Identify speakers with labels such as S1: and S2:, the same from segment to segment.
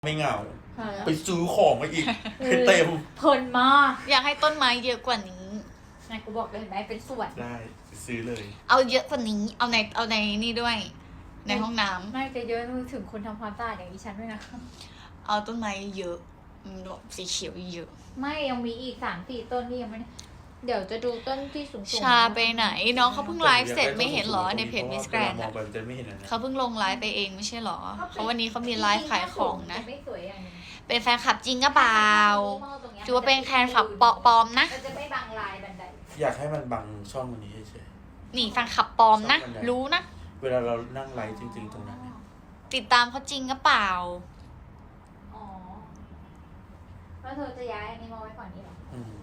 S1: ไม่เหงาไปซื้อของมาอีกให้เต็ม
S2: เพลินมาก
S3: อยากให้ต้นไม้เยอะกว่านี้
S2: นายกูบอกเลยเห็นไหมเป็นสวน
S1: ได้ซื้อเลย
S3: เอาเยอะกว่านี้เอาในนี่ด้วย ในห้องน้ำ
S2: ไม่จะเยอะถึงคนทำความสะอาดอย่างดิฉันด้วยนะ
S3: เอาต้นไม้เยอะสีเขียวเยอะ
S2: ไม่ยังมีอีก3-4 ต้นที่ยังไม่เดี๋ยวจะดูต้นที่สูงๆ
S3: ชาไปไหนน้องเขาเพิ่งไลฟ์เสร็จไม่เห็นหรอในเพจมิสแกรนด์เขาเพิ่งลงไลฟ์ไปเองไม่ใช่หรอเขาวันนี้เขามีไลฟ์ขายของนะเป็นแฟนคลับจริงก็เปล่าถือว่าเป็นแฟนคลับปลอมนะ
S2: จะไม่บังลายบันได
S1: อยากให้มันบังช่องนี้เฉย
S3: นี่แฟนคลับปลอมนะรู้นะ
S1: เวลาเรานั่งไลฟ์จริงๆตรงนั้น
S3: ติดตามเขาจริงก็เปล่า
S2: อ๋อแล้วเธอจะย้ายอันนี้มาไว้ก่อนนี้หรอ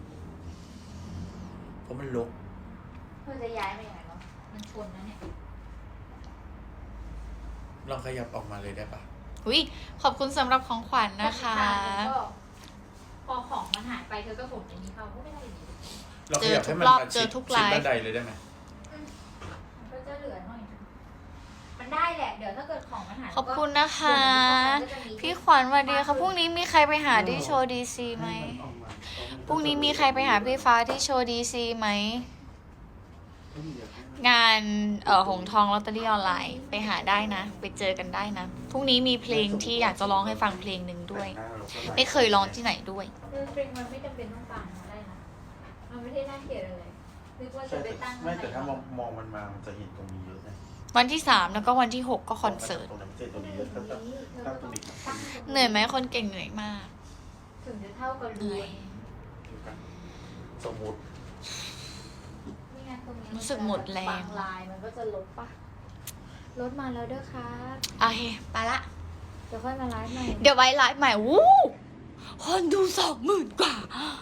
S1: เพราะมันรก
S2: เธอจะย้ายไปไหนวะมันชนนะเนี่ย
S1: ลองขยับออกมาเลยได้ปะ
S3: อุ้ยขอบคุณสำหรับของขวัญนะคะ
S2: พอของมันหายไปเธอก็ผมอย่างนี้เขาก็ไม่ได้ดี
S1: เราขยับให้มันเจอทุกไลฟ์บันไดเลยได้ไหม
S2: มันก็จะเหลือหน่อยมันได้แหละเดี๋ยวถ้าเกิดของมันหาย
S3: ขอบคุณนะคะพี่ขวัญสวัสดีค่ะพรุ่งนี้มีใครไปหาที่โชว์ดีซีไหมพรุ่งนี้มีใครไปหาพี่ฟ้าที่โชว์ดีซีไหมงานหงทองลอตเตอรี่ออนไลน์ไปหาได้นะไปเจอกันได้นะพรุ่งนี้มีเพลงที่อยากจะร้องให้ฟังเพลงหนึ่งด้วยไม่เคยร้องที่ไหนด้วย
S2: เพลงมันไม่จำเป็นต้องฟังได้นะมันไม่ได้น่าเกลียดอะไรนึกว่าจะไปตั้ง
S1: ไม่แต่ถ้ามองมันมามันจะเห็นตรงนี้เยอะนะ
S3: วันที่3แล้วก็วันที่6ก็คอนเสิร์ตเหนื่อยไหมคนเก่งเหนื่อยมาก
S2: ถึงจะเท่ากับรวย
S1: สมมุติ
S3: รู้สึกหมดแรง
S2: ลายมันก็จะลดปะลดมาแล้วเด้อครับ
S3: โอเคไปละ
S2: เดี๋ยวค่อยมาไลฟ์ใหม่
S3: เดี๋ยวไว้ไลฟ์ใหม่วู้คนดู20,000 กว่า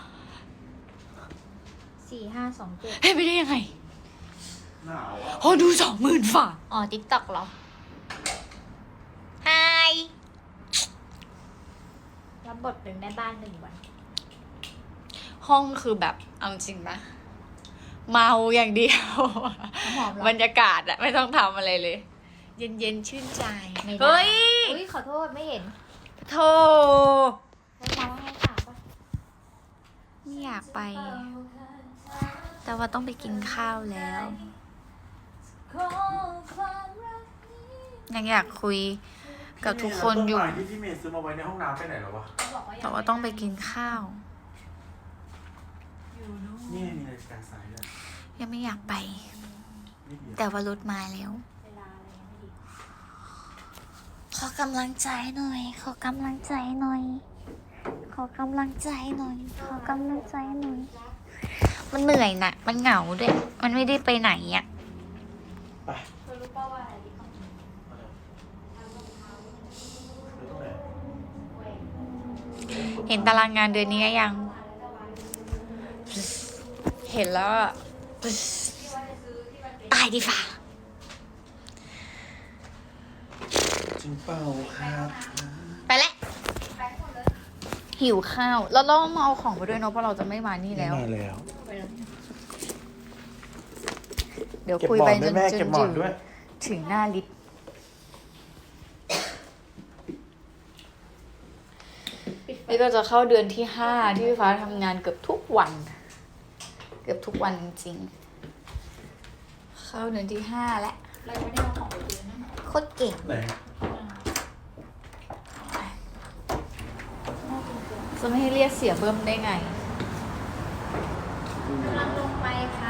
S2: 4527
S3: เฮ้ยไม่ได้ยังไงคนดู20,000 ฝ่าอ๋อ TikTok เหรอไฮ
S2: รับบทเป็นแม่บ้าน1 วัน
S3: ห้องคือแบบเอาจริงปะเมาอย่างเดียวบรรยากาศอะไม่ต้องทำอะไรเลย เย็นๆชื่นใจ
S2: เฮ้ยขอโทษไม่เห็น
S3: โธ่
S2: แล้วมาให้ค่ะปะ
S3: ไม่อยากไปแต่ว่าต้องไปกินข้าวแล้วยังอยากคุยกับทุกคนอยู่
S1: ที่พี่เมย์ซื้อมาไว้ในห้องน้ำไปไหนแล้ววะ
S3: แต่ว่าต้องไปกินข้าว
S1: นี่มีนาฬิกาสายด้วย
S3: ยังไม่อยากไปแต่ว่ารถมาแล้วขอกำลังใจหน่อยขอกำลังใจหน่อยขอกำลังใจหน่อยขอกำลังใจหน่อยมันเหนื่อยนะมันเหงาด้วยมันไม่ได้ไปไหนอ่ะ
S1: ไป
S2: รู้ป่าวว่าอะไร
S3: เห็นตารางงานเดือนนี้ยังเห็นแล้วตายดีฝ่า
S1: จริงเปล่าครับ
S3: ไปแล้วหิวข้าวแล้วเรามาเอาของไปด้วยเนาะเพราะเราจะไม่มานี่แล้วเดี๋ยวคุยไปจนถึงหน้าลิฟต์นี่ก็จะเข้าเดือนที่5ที่พี่ฟ้าทำงานเกือบทุกวันจริงๆเข้าเดือนที่5แล้ว
S2: เราไม่ได้เอาของไปคืนนะ
S3: โคตรเก่งจะไม่ให้เรียกเสียเบิ้มได้ไง
S2: กำลังลงไปค่ะ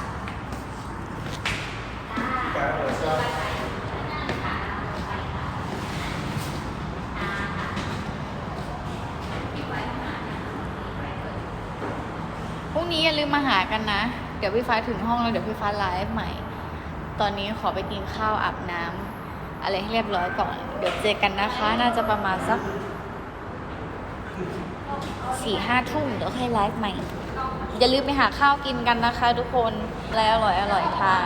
S3: พรุ่งนี้อย่าลืมมาหากันนะเดี๋ยวพี่ฟ้าถึงห้องแล้วเดี๋ยวพี่ฟ้าไลฟ์ใหม่ตอนนี้ขอไปกินข้าวอาบน้ำอะไรให้เรียบร้อยก่อนเดี๋ยวเจอกันนะคะน่าจะประมาณสัก4-5 ทุ่มเดี๋ยวค่อยไลฟ์ใหม่อย่าลืมไปหาข้าวกินกันนะคะทุกคนแล้วอร่อยทาน